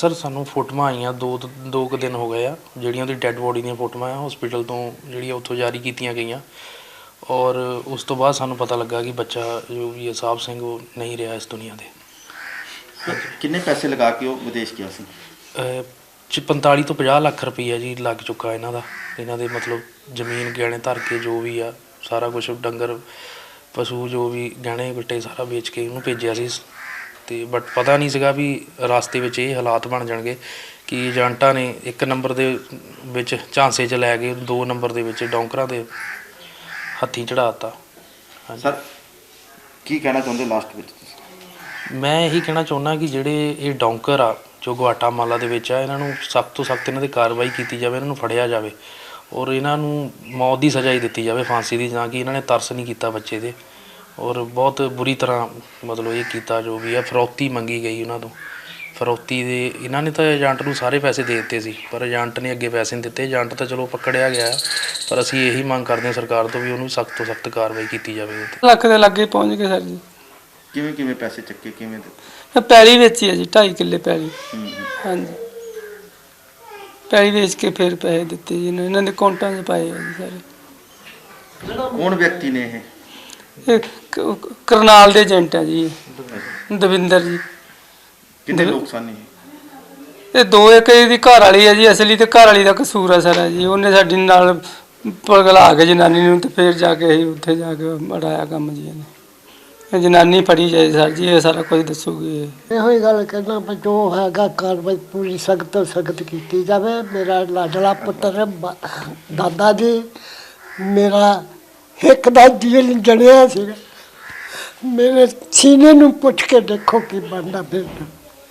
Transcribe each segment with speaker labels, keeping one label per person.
Speaker 1: Sir ਸਾਨੂੰ ਫੋਟੋਆਂ ਆਈਆਂ ਦੋ ਕੁ ਦਿਨ ਹੋ ਗਏ ਆ, ਜਿਹੜੀਆਂ ਉਹਦੀ ਡੈੱਡ ਬੋਡੀ ਦੀਆਂ ਫੋਟੋਆਂ ਆ ਹਸਪੀਟਲ ਤੋਂ ਜਿਹੜੀਆਂ ਉੱਥੋਂ ਜਾਰੀ ਕੀਤੀਆਂ ਗਈਆਂ। ਔਰ ਉਸ ਤੋਂ ਬਾਅਦ ਸਾਨੂੰ ਪਤਾ ਲੱਗਾ ਕਿ ਬੱਚਾ ਜੋ ਵੀ ਸਾਹਿਬ ਸਿੰਘ ਉਹ ਨਹੀਂ ਰਿਹਾ ਇਸ ਦੁਨੀਆ ਦੇ।
Speaker 2: ਕਿੰਨੇ ਪੈਸੇ ਲਗਾ ਕੇ ਉਹ ਵਿਦੇਸ਼ ਗਿਆ ਸੀ?
Speaker 1: 45 ਤੋਂ 50 ਲੱਖ ਰੁਪਈਆ ਜੀ ਲੱਗ ਚੁੱਕਾ ਇਹਨਾਂ ਦੇ ਮਤਲਬ ਜ਼ਮੀਨ ਗਹਿਣੇ ਧਰ ਕੇ ਜੋ ਵੀ ਆ ਸਾਰਾ ਕੁਛ ਡੰਗਰ ਪਸ਼ੂ ਜੋ ਵੀ ਗਹਿਣੇ ਗੱਟੇ ਸਾਰਾ ਵੇਚ ਕੇ ਉਹਨੂੰ ਭੇਜਿਆ ਸੀ। ਤੇ ਬਟ ਪਤਾ ਨਹੀਂ ਸੀਗਾ ਵੀ ਰਸਤੇ ਵਿੱਚ ਇਹ ਹਾਲਾਤ ਬਣ ਜਾਣਗੇ ਕਿ ਏਜੰਟਾਂ ਨੇ 1 ਨੰਬਰ ਦੇ ਵਿੱਚ ਝਾਂਸੇ 'ਚ ਲੈ ਕੇ 2 ਨੰਬਰ ਦੇ ਵਿੱਚ ਡੌਂਕਰਾਂ ਦੇ ਹੱਥੀਂ ਚੜ੍ਹਾ ਦਿੱਤਾ।
Speaker 2: ਸਰ ਕੀ ਕਹਿਣਾ ਚਾਹੁੰਦੇ ਲਾਸਟ ਵਿੱਚ?
Speaker 1: ਮੈਂ ਇਹੀ ਕਹਿਣਾ ਚਾਹੁੰਦਾ ਕਿ ਜਿਹੜੇ ਇਹ ਡੌਂਕਰ ਆ ਜੋ ਗੁਆਟਾਮਾਲਾ ਦੇ ਵਿੱਚ ਆ, ਇਹਨਾਂ ਨੂੰ ਸਖਤ ਤੋਂ ਸਖਤ ਇਹਨਾਂ 'ਤੇ ਕਾਰਵਾਈ ਕੀਤੀ ਜਾਵੇ, ਇਹਨਾਂ ਨੂੰ ਫੜਿਆ ਜਾਵੇ ਔਰ ਇਹਨਾਂ ਨੂੰ ਮੌਤ ਦੀ ਸਜ਼ਾ ਹੀ ਦਿੱਤੀ ਜਾਵੇ, ਫਾਂਸੀ ਦੀ, ਜਾਂ ਕਿ ਇਹਨਾਂ ਨੇ ਤਰਸ ਨਹੀਂ ਕੀਤਾ ਬੱਚੇ 'ਤੇ ਔਰ ਬਹੁਤ ਬੁਰੀ ਤਰ੍ਹਾਂ ਮਤਲਬ ਇਹ ਕੀਤਾ ਜੋ ਵੀ ਆ। ਫਿਰੌਤੀ ਮੰਗੀ ਗਈ ਉਹਨਾਂ ਤੋਂ, ਫਿਰੌਤੀ ਦੇ ਇਹਨਾਂ ਨੇ ਤਾਂ ਏਜੰਟ ਨੂੰ ਸਾਰੇ ਪੈਸੇ ਦੇ ਦਿੱਤੇ ਸੀ, ਪਰ ਏਜੰਟ ਨੇ ਅੱਗੇ ਪੈਸੇ ਨਹੀਂ ਦਿੱਤੇ। ਏਜੰਟ ਤਾਂ ਚਲੋ ਪਕੜਿਆ ਗਿਆ, ਪਰ ਅਸੀਂ ਇਹੀ ਮੰਗ ਕਰਦੇ ਹਾਂ ਸਰਕਾਰ ਤੋਂ ਵੀ ਉਹਨੂੰ ਸਖਤ ਤੋਂ ਸਖਤ ਕਾਰਵਾਈ ਕੀਤੀ ਜਾਵੇ।
Speaker 3: ਲੱਖ ਦੇ ਲਾਗੇ ਪਹੁੰਚ ਗਏ ਸਰ ਜੀ।
Speaker 2: ਕਿਵੇਂ ਪੈਸੇ ਚੱਕੇ, ਕਿਵੇਂ?
Speaker 3: ਪੈਲੀ ਵੇਚੀ ਹੈ ਜੀ, 2.5 ਕਿੱਲੇ ਪੈਲੀ। ਹਾਂਜੀ, ਪੈਲੀ ਵੇਚ ਕੇ ਫਿਰ ਪੈਸੇ ਦਿੱਤੇ ਜੀ ਇਹਨਾਂ ਦੇ ਅਕਾਊਂਟਾਂ 'ਚ ਪਾਏ ਆ ਜੀ ਸਾਰੇ।
Speaker 2: ਕੌਣ ਵਿਅਕਤੀ ਨੇ
Speaker 3: ਇਹ ਕਰਨਾਲ ਦੇ ਏਜੰਟ ਹੈ ਜੀ, ਦਵਿੰਦਰ ਜੀ।
Speaker 2: ਕਿੰਨੇ ਲੋਕ ਸਨ ਇਹ?
Speaker 3: ਇਹ 2 ਇੱਕ ਇਹਦੀ ਘਰ ਵਾਲੀ ਹੈ ਜੀ, ਅਸਲੀ ਤੇ ਘਰ ਵਾਲੀ ਦਾ ਕਸੂਰ ਹੈ ਸਰ ਜੀ। ਉਹਨੇ ਸਾਡੀ ਨਾਲ ਪਗਲਾ ਕੇ ਜਨਾਨੀ ਨੂੰ ਤੇ ਫਿਰ ਜਾ ਕੇ ਅਸੀਂ ਉੱਥੇ ਜਾ ਕੇ ਮੜਾਇਆ ਕੰਮ ਜੀ ਇਹਨੇ। ਜਨਾਨੀ ਫੜੀ ਜਾਏ ਸਰ ਜੀ, ਇਹ ਸਾਰਾ ਕੁਝ ਦੱਸੂਗੀ।
Speaker 4: ਇਹੋ ਹੀ ਗੱਲ ਕਹਿਣਾ ਵੀ ਜੋ ਹੈਗਾ ਕਾਰਵਾਈ ਪੂਰੀ ਸਖਤ ਤੋਂ ਸਖਤ ਕੀਤੀ ਜਾਵੇ। ਮੇਰਾ ਲਾਡਲਾ ਪੁੱਤਰ ਦਾਦਾ ਜੀ ਮੇਰਾ ਇੱਕ ਦਾ ਦਿਲ ਜੜਿਆ ਸੀ, ਮੇਰੇ ਸੀਨੇ ਨੂੰ ਪੁੱਛ ਕੇ ਦੇਖੋ ਕੀ ਬਣਦਾ ਫਿਰਦਾ।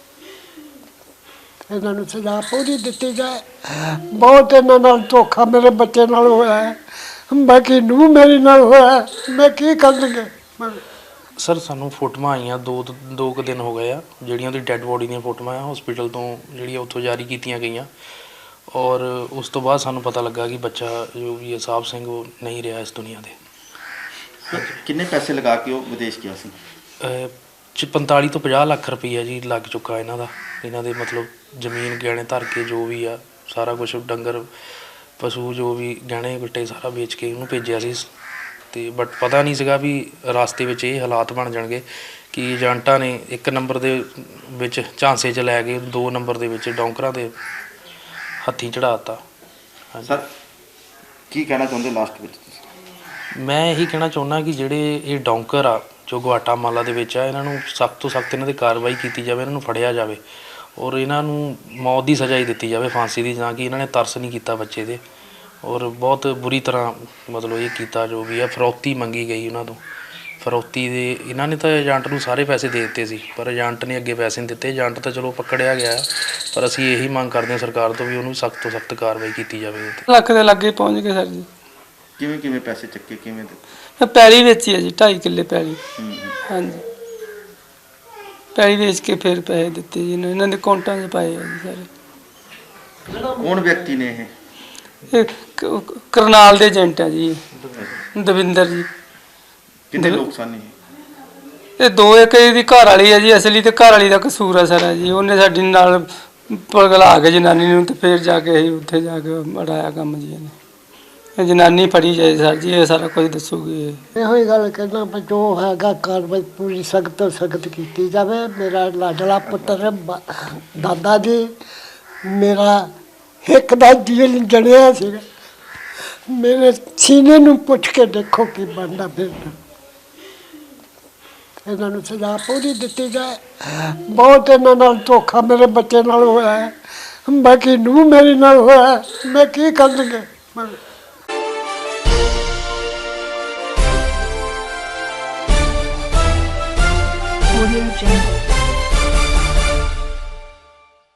Speaker 4: ਇਹਨਾਂ ਨੂੰ ਸਜ਼ਾ ਪੂਰੀ ਦਿੱਤੀ ਜਾਏ। ਬਹੁਤ ਇਹਨਾਂ ਨਾਲ ਧੋਖਾ ਮੇਰੇ ਬੱਚੇ ਨਾਲ ਹੋਇਆ ਹੈ, ਬਾਕੀ ਨੂੰ ਮੇਰੇ ਨਾਲ ਹੋਇਆ, ਮੈਂ ਕੀ ਕਰਨਗੇ।
Speaker 1: ਸਰ ਸਾਨੂੰ ਫੋਟੋਆਂ ਆਈਆਂ ਦੋ ਕੁ ਦਿਨ ਹੋ ਗਏ ਆ, ਜਿਹੜੀਆਂ ਉਹਦੀ ਡੈੱਡ ਬੋਡੀ ਦੀਆਂ ਫੋਟੋਆਂ ਆ ਹਸਪੀਟਲ ਤੋਂ ਜਿਹੜੀਆਂ ਉੱਥੋਂ ਜਾਰੀ ਕੀਤੀਆਂ ਗਈਆਂ। ਔਰ ਉਸ ਤੋਂ ਬਾਅਦ ਸਾਨੂੰ ਪਤਾ ਲੱਗਾ ਕਿ ਬੱਚਾ ਜੋ ਵੀ ਸਾਹਿਬ ਸਿੰਘ ਉਹ ਨਹੀਂ ਰਿਹਾ ਇਸ ਦੁਨੀਆ ਦੇ।
Speaker 2: ਕਿੰਨੇ ਪੈਸੇ ਲਗਾ ਕੇ ਉਹ ਵਿਦੇਸ਼ ਗਿਆ ਸੀ?
Speaker 1: 45 ਤੋਂ 50 ਲੱਖ ਰੁਪਈਆ ਜੀ ਲੱਗ ਚੁੱਕਾ ਇਹਨਾਂ ਦੇ ਮਤਲਬ ਜ਼ਮੀਨ ਗਹਿਣੇ ਧਰ ਕੇ ਜੋ ਵੀ ਆ ਸਾਰਾ ਕੁਛ ਡੰਗਰ ਪਸ਼ੂ ਜੋ ਵੀ ਗਹਿਣੇ ਗੱਟੇ ਸਾਰਾ ਵੇਚ ਕੇ ਉਹਨੂੰ ਭੇਜਿਆ ਸੀ। ਤੇ ਬਟ ਪਤਾ ਨਹੀਂ ਸੀਗਾ ਵੀ ਰਸਤੇ ਵਿੱਚ ਇਹ ਹਾਲਾਤ ਬਣ ਜਾਣਗੇ ਕਿ ਏਜੰਟਾਂ ਨੇ 1 ਨੰਬਰ ਦੇ ਵਿੱਚ ਝਾਂਸੇ 'ਚ ਲੈ ਕੇ 2 ਨੰਬਰ ਦੇ ਵਿੱਚ ਡੌਂਕਰਾਂ ਦੇ ਹੱਥੀਂ ਚੜ੍ਹਾ ਦਿੱਤਾ।
Speaker 2: ਸਰ ਕੀ ਕਹਿਣਾ ਚਾਹੁੰਦੇ ਲਾਸਟ ਵਿੱਚ?
Speaker 1: ਮੈਂ ਇਹੀ ਕਹਿਣਾ ਚਾਹੁੰਦਾ ਕਿ ਜਿਹੜੇ ਇਹ ਡੌਂਕਰ ਆ ਜੋ ਗੁਆਟਾਮਾਲਾ ਦੇ ਵਿੱਚ ਆ, ਇਹਨਾਂ ਨੂੰ ਸਖਤ ਤੋਂ ਸਖਤ ਇਹਨਾਂ 'ਤੇ ਕਾਰਵਾਈ ਕੀਤੀ ਜਾਵੇ, ਇਹਨਾਂ ਨੂੰ ਫੜਿਆ ਜਾਵੇ ਔਰ ਇਹਨਾਂ ਨੂੰ ਮੌਤ ਦੀ ਸਜ਼ਾ ਹੀ ਦਿੱਤੀ ਜਾਵੇ, ਫਾਂਸੀ ਦੀ, ਜਾਂ ਕਿ ਇਹਨਾਂ ਨੇ ਤਰਸ ਨਹੀਂ ਕੀਤਾ ਬੱਚੇ 'ਤੇ ਔਰ ਬਹੁਤ ਬੁਰੀ ਤਰ੍ਹਾਂ ਮਤਲਬ ਇਹ ਕੀਤਾ ਜੋ ਵੀ ਆ। ਫਿਰੌਤੀ ਮੰਗੀ ਗਈ ਉਹਨਾਂ ਤੋਂ, ਫਿਰੌਤੀ ਦੇ ਇਹਨਾਂ ਨੇ ਤਾਂ ਏਜੰਟ ਨੂੰ ਸਾਰੇ ਪੈਸੇ ਦੇ ਦਿੱਤੇ ਸੀ, ਪਰ ਏਜੰਟ ਨੇ ਅੱਗੇ ਪੈਸੇ ਨਹੀਂ ਦਿੱਤੇ। ਏਜੰਟ ਤਾਂ ਚਲੋ ਪਕੜਿਆ ਗਿਆ, ਪਰ ਅਸੀਂ ਇਹੀ ਮੰਗ ਕਰਦੇ ਹਾਂ ਸਰਕਾਰ ਤੋਂ ਵੀ ਉਹਨੂੰ ਸਖਤ ਤੋਂ ਸਖਤ ਕਾਰਵਾਈ ਕੀਤੀ ਜਾਵੇ।
Speaker 3: ਲੱਖ ਦੇ ਲਾਗੇ ਪਹੁੰਚ ਗਏ ਸਰ ਜੀ।
Speaker 2: ਕਿਵੇਂ ਪੈਸੇ ਚੱਕੇ, ਕਿਵੇਂ?
Speaker 3: ਪੈਲੀ ਵੇਚੀ ਹੈ ਜੀ, 2.5 ਕਿੱਲੇ ਪੈਲੀ। ਹਾਂਜੀ, ਪੈਲੀ ਵੇਚ ਕੇ ਫਿਰ ਪੈਸੇ ਦਿੱਤੇ ਜੀ ਇਹਨਾਂ ਦੇ ਅਕਾਊਂਟਾਂ 'ਚ ਪਾਏ ਆ ਜੀ ਸਾਰੇ।
Speaker 2: ਕੌਣ ਵਿਅਕਤੀ ਨੇ ਇਹ?
Speaker 3: ਇਹ ਕਰਨਾਲ ਦੇ ਏਜੰਟ ਹੈ ਜੀ, ਦਵਿੰਦਰ ਜੀ।
Speaker 2: ਕਿੰਨੇ ਲੋਕ ਸਨ ਇਹ?
Speaker 3: ਇਹ 2 ਇੱਕ ਇਹਦੀ ਘਰ ਵਾਲੀ ਹੈ ਜੀ, ਅਸਲੀ ਤੇ ਘਰ ਵਾਲੀ ਦਾ ਕਸੂਰ ਹੈ ਸਰ ਜੀ। ਉਹਨੇ ਸਾਡੀ ਨਾਲ ਪਗਲਾ ਕੇ ਜਨਾਨੀ ਨੂੰ ਤੇ ਫਿਰ ਜਾ ਕੇ ਅਸੀਂ ਉੱਥੇ ਜਾ ਕੇ ਮੜਾਇਆ ਕੰਮ ਜੀ ਇਹਨੇ। ਜਨਾਨੀ ਫੜੀ ਜਾਏ ਸਰ ਜੀ, ਇਹ ਸਾਰਾ ਕੁਝ ਦੱਸੂਗੀ।
Speaker 4: ਇਹੋ ਹੀ ਗੱਲ ਕਹਿਣਾ ਵੀ ਜੋ ਹੈਗਾ ਕਾਰਵਾਈ ਪੂਰੀ ਸਖਤ ਤੋਂ ਸਖਤ ਕੀਤੀ ਜਾਵੇ। ਮੇਰਾ ਲਾਡਲਾ ਪੁੱਤਰ ਦਾਦਾ ਜੀ ਮੇਰਾ ਇੱਕ ਦਾ ਦਿਲ ਜੜਿਆ ਸੀ, ਮੇਰੇ ਸੀਨੇ ਨੂੰ ਪੁੱਛ ਕੇ ਦੇਖੋ ਕੀ ਬਣਦਾ ਫਿਰਦਾ। ਇਹਨਾਂ ਨੂੰ ਸਜ਼ਾ ਪੂਰੀ ਦਿੱਤੀ ਜਾਏ। ਬਹੁਤ ਇਹਨਾਂ ਨਾਲ ਧੋਖਾ ਮੇਰੇ ਬੱਚੇ ਨਾਲ ਹੋਇਆ ਹੈ, ਬਾਕੀ ਨੂੰ ਮੇਰੇ ਨਾਲ ਹੋਇਆ, ਮੈਂ ਕੀ ਕਰਨਗੇ।
Speaker 5: Audio Jungle.